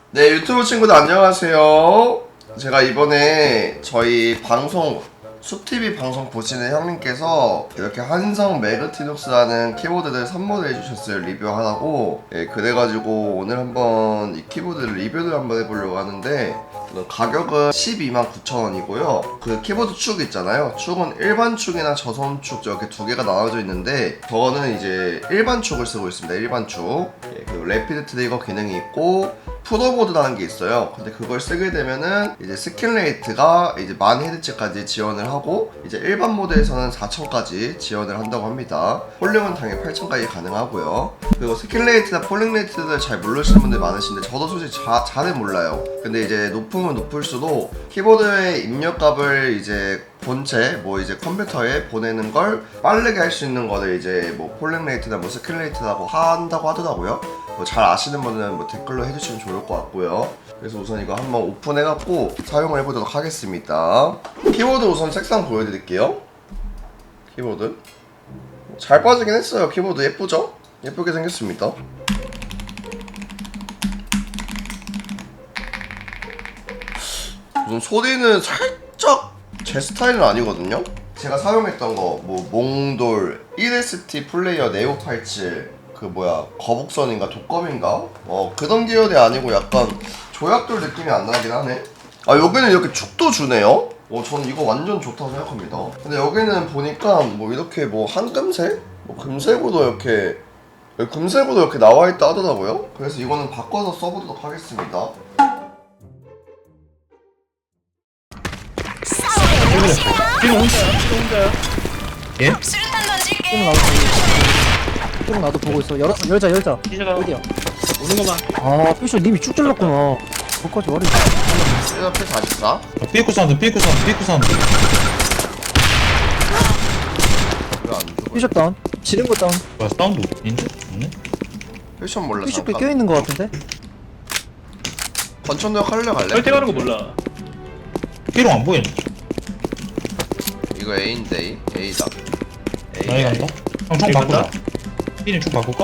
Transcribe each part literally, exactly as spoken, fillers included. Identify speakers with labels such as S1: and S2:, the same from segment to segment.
S1: 네, 유튜브 친구들 안녕하세요. 제가 이번에 저희 방송 숲티비 방송 보시는 형님께서 이렇게 한성 매그티눅스라는 키보드를 선물을 해주셨어요. 리뷰하라고. 예, 그래가지고 오늘 한번 이 키보드를 리뷰를 한번 해보려고 하는데 가격은 십이만 구천 원이고요 그 키보드 축 있잖아요. 축은 일반 축이나 저소음 축 이렇게 두 개가 나눠져 있는데 저는 이제 일반 축을 쓰고 있습니다. 일반 축. 예, 그리고 래피드 트리거 기능이 있고 프로보드라는 게 있어요. 근데 그걸 쓰게 되면은 이제 스킨 레이트가 이제 만 헤르츠까지 지원을 하고 이제 일반 모드에서는 사천까지 지원을 한다고 합니다. 폴링은 당연히 팔천까지 가능하고요. 그리고 스킨 레이트나 폴링 레이트를 잘 모르시는 분들 많으신데 저도 솔직히 자, 잘은 몰라요. 근데 이제 높으면 높을수록 키보드의 입력값을 이제 본체 뭐 이제 컴퓨터에 보내는 걸 빠르게 할 수 있는 거를 이제 뭐 폴링 레이트나 뭐 스킨 레이트라고 한다고 하더라고요. 뭐 잘 아시는 분은 뭐 댓글로 해주시면 좋을 것 같고요. 그래서 우선 이거 한번 오픈해갖고 사용을 해보도록 하겠습니다. 키보드 우선 색상 보여드릴게요. 키보드 잘 빠지긴 했어요. 키보드 예쁘죠? 예쁘게 생겼습니다. 우선 소리는 살짝 제 스타일은 아니거든요. 제가 사용했던 거 뭐 몽돌, 일에스티 플레이어 네오 팔십칠 그 뭐야 거북선인가 독검인가? 어 그런 계열이 아니고 약간 조약돌 느낌이 안 나긴 하네. 아 여기는 이렇게 축도 주네요. 어 저는 이거 완전 좋다고 생각합니다. 근데 여기는 보니까 뭐 이렇게 뭐 한금색? 뭐 금색으로 이렇게 금색으로 이렇게 나와있다 하더라고요. 그래서 이거는 바꿔서 써보도록 하겠습니다.
S2: 지금 혼자야? 지금 혼자야?
S3: 예?
S4: 수류탄 던질게.
S5: 좀 나도 좀 나도 보고 있어. 열어 열자 열자.
S2: 기자가
S5: 어디야?
S2: 오는 것만.
S5: 아 피셔 님이 쭉 잘랐구나. 거기까지 머리.
S1: 일단 P 사십사.
S3: 삐꾸 사운드 삐꾸 사운드 삐꾸 사운드
S1: 왜안 죽어?
S5: 피셔 다운. 지른 거 다운.
S3: 뭐야 사운드 인줄? 없네?
S1: 패션 몰라.
S5: 피셔 꽤
S1: 잠깐.
S5: 껴 있는 거 같은데?
S1: 권천도역 할래 갈래?
S2: 설득하는 거 몰라.
S3: 삐롱 안 보이네.
S1: 이거 A인데 A. A다. A.
S3: 나이 간다? 형 총
S2: A
S3: 바꾸자.
S2: 간다?
S3: 삐님 총 바꿀까?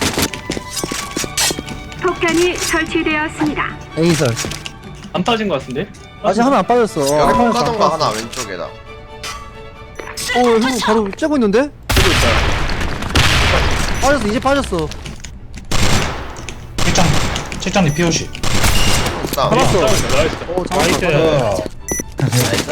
S4: 폭탄이 설치되었습니다.
S5: 에이설.
S2: 안 빠진 거 같은데?
S5: 아직 하나 안 빠졌어. 어,
S1: 여기
S5: 안 빠졌어,
S1: 폭가던가
S5: 안
S1: 하나
S5: 빠졌어.
S1: 왼쪽에다.
S5: 어, 형 바로 째고 있는데?
S2: 쓰고 있다.
S5: 빠졌어, 이제 빠졌어.
S3: 책장 책장님 피오씨.
S1: 싸움.
S5: 잡았어.
S2: 싸우고 있다. 나이스.
S5: 어, 잡았어.
S2: 나이스.
S1: 나이스.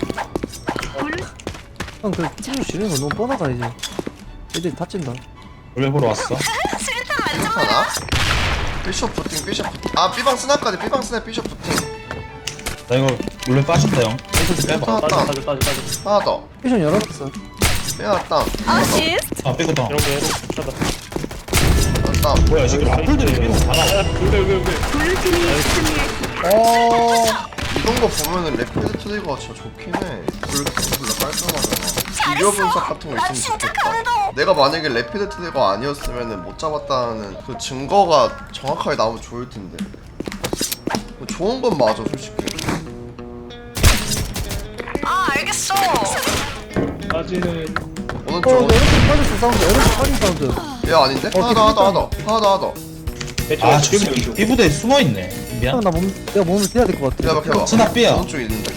S5: 형, 그 피셔 지르는 거 너무 뻔하다 이제. 애들이 다친다.
S3: 원래 보러 왔어.
S4: 수류탄 만점.
S1: 괜찮아? 비숍 부팅 비숍 부팅. 아 B방 스나까지 B방 스나 비숍 부팅.
S3: 나 이거 원래 빠진다 형. 좀 빼봐.
S1: 하나
S2: 빠져,
S1: 다운.
S2: 빠져, 빠져, 빠져.
S1: 하나 더.
S5: 피셔 열어놨어.
S1: 하나 다운.
S4: 어시스트.
S3: 아 삐꾸 다운.
S2: 이런 거 해로. 찾아.
S1: 하나 다운.
S3: 뭐야 이 새끼 라플들이 삐롱 다 나와.
S2: 여기, 여기, 여기.
S4: 블루팀이 승리했습니다.
S1: 어. 이런 거 보면은 래피드 트리거가 진짜 좋긴 해. 불ful라 깔끔하잖아. 비교 분석 같은 거
S4: 나
S1: 있으면
S4: 진짜
S1: 좋겠다.
S4: 감동.
S1: 내가 만약에 래피드 트리거 아니었으면은 못 잡았다는 그 증거가 정확하게 나오면 좋을 텐데. 뭐 좋은 건 맞아 솔직히.
S4: 아 알겠어.
S2: 빠지는.
S5: 어,
S1: 오른쪽.
S5: 에어컨 빠졌어 사운드. 에어컨 빠진 사운드.
S1: 얘 아닌데? 하나 더 하나 더 하나 더 하나 더 하나 더.
S2: 대충
S3: 아저
S2: 지금
S3: 새끼
S2: 왼쪽.
S3: 삐부대에 숨어있네.
S5: 형,
S3: 미안.
S5: 나 몸, 내가 몸을 떼야 될 것 같아.
S1: 기다려 켜봐.
S3: 스나 B야.
S1: 오른쪽 있는데.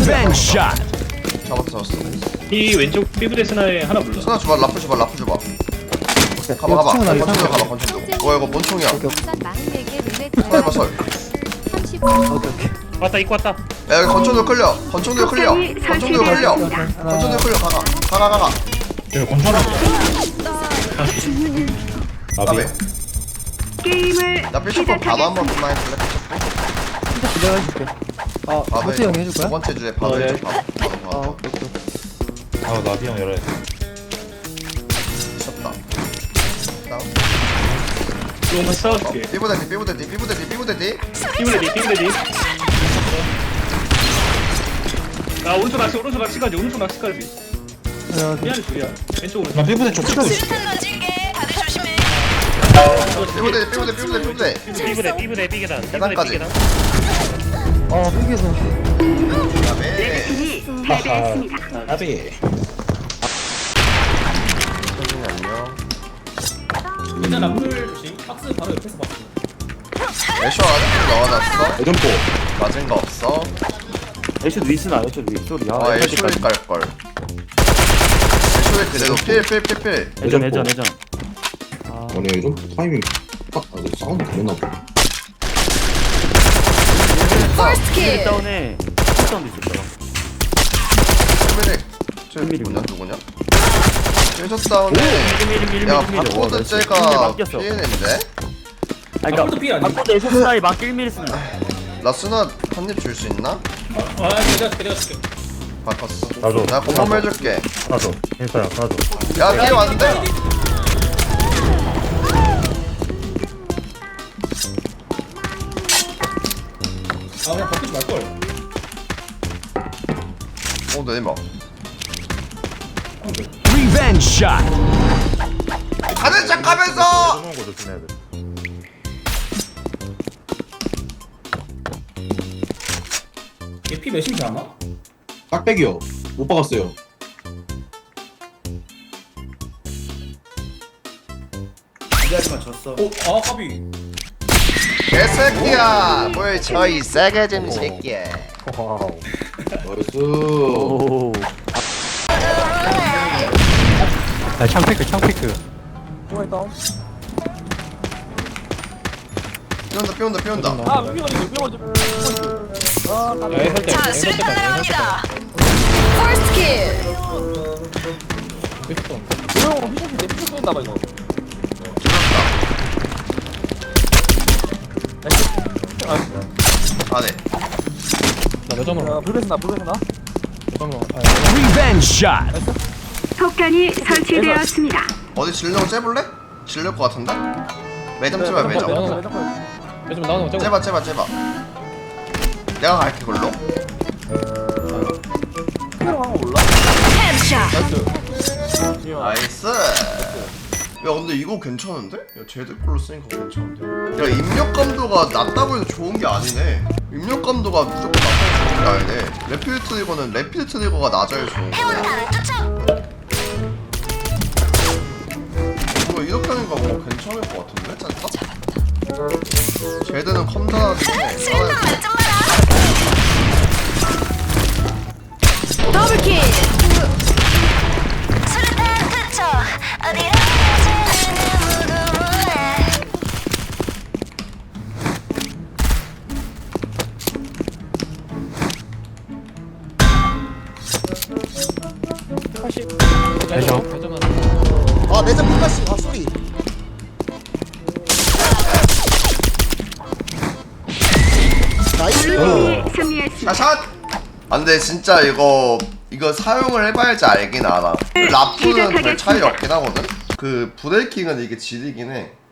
S1: 잡았어 잡았어.
S2: 이 왼쪽 피부대 스나에 하나 불러.
S1: 스나 줘봐 라프 줘봐 라프 줘봐.
S5: 오케이.
S1: 가봐 가봐.
S5: 층은 알겠어.
S1: 권총도 가봐 권총도. 어 이거 뭔총이야?
S5: 오케이,
S1: 설 해봐 설.
S5: 오케이, 오케이.
S2: 왔다, 입고 왔다.
S1: 야 여기 권총도 클리어. 권총도 클리어.
S4: 폭탄이
S1: 권총도 클리어.
S4: 설치되었습니다.
S1: 권총도 클리어 가가 가가 가가.
S3: 여기 권총 나비.
S1: 나비.
S4: 게임을
S1: 나 필수법 바로 한번
S4: 시작하겠습니다.
S1: 그만 해줄래?
S5: 진짜 내가 해줄게. 아,
S1: 바로
S5: 모태 형이 해줄
S1: 두
S5: 거야?
S1: 번째 주에 바로
S2: 어, 네.
S1: 해줘 바로 바로
S5: 아,
S1: 바로.
S5: 오케이, 오케이.
S3: 아 나비 형 열어야 돼.
S1: 미쳤다. 다운.
S2: 이거 같이 싸워줄게.
S1: 삐부대디 삐부대디 삐부대디 삐부대디.
S2: 피부대디, 피부대디. 아, 오른쪽 낚시, 오른쪽 낚시까지, 오른쪽 낚시까지.
S5: 야,
S2: 미안해, 둘이야. 왼쪽으로.
S3: 나 삐부대 쪽 찍고 있어.
S4: 수류탄 던질게. 다들 조심해.
S1: 삐부대디 삐부대디 삐부대디 삐부대.
S2: 피부대, 피부대, 삐개단.
S1: 계단까지.
S5: 아, 삐개서.
S1: 그다음에
S4: 팀이 패배했습니다.
S3: 나비.
S1: 선생님 안녕.
S6: 일단 라플 조심. 박스 바로 옆에서 봤어.
S1: 애쇼 아직도 넣어놨어?
S3: 예전포.
S1: 맞은 거 없어?
S5: 애쇼 위스나 애쇼 위 소리 야
S1: 아 애쇼에 깔걸 애쇼에 그래도 필필필필
S5: 예전 예전 예전 아
S3: 아니 예전포 타이밍 딱 아, 사운드 되나 보다.
S4: 퍼스트
S5: 다운에 다운도 있었더라
S1: 필필 쟤
S5: 필필이
S1: 누구냐 누구냐? 애쇼 다운에 야 바코드 쟤가 피해낸데?
S5: 아니
S2: 바코드 피
S5: 그니까
S2: 아니?
S5: 바코드 애쇼 스나이 막 일 미리 쓴다
S1: 나 스나 한입 줄 수 있나?
S2: 아 내가 줄게 내가 줄게.
S1: 바꿨어
S6: 나도.
S1: 나 공범 해줄게
S6: 하나 더. 인스타야, 하나 더.
S1: 야 뒤에 왔는데?
S2: 아 그냥 바꾸지 말걸.
S1: 어 내리막
S7: Revenge shot.
S1: 가는 척 하면서
S6: 쏘는 거 조심해야 돼.
S2: 얘피 몇인지 아나?
S3: 깍백이요. 못 박았어요.
S2: 어? 아 까비.
S1: 개새끼야 뭘 저이 세게 좀 새끼야
S6: 와우.
S3: 나이스.
S5: 오
S7: 야, 창피크, 창피크.
S1: 삐온다 삐온다 삐온다
S4: 자, 수류탄 날아옵니다. 퍼스트 킬.
S1: 안해
S7: Revenge shot.
S4: 폭탄이 설치되었습니다.
S1: 어디 질려고 째볼래? 질릴 것 같은데? 매점 째봐 매점
S2: 요즘 나오는 거
S1: 째봐 째봐 째봐 내가 갈게 그걸로
S4: 헤드샷.
S1: 나이스 야 근데 이거 괜찮은데? 야 쟤들 걸로 쓰니까 괜찮은데 야 입력감도가 낮다고 해서 좋은 게 아니네 입력감도가 무조건 낮다고 좋은 게 아니네 레피드 트리거는 레피드 트리거가 낮아야 좋은 거네 이거 이렇게 하니까 뭐 괜찮을 것 같은데? 짠다? 쟤들은 컴퓨터
S4: 수류탄 만점 마라. 더블킬. 수류탄 투척. 어디로 가지는 무궁무해.
S7: 애쇼.
S8: 아 매점 끝났어. 아 소리. 나이스.
S4: 승리했습니다.
S1: 샷! 아 근데 진짜 이거 이거 사용을 해봐야지 알긴 알아 라프는 별 차이 없긴 하거든? 그 브레이킹은 이게 지리긴 해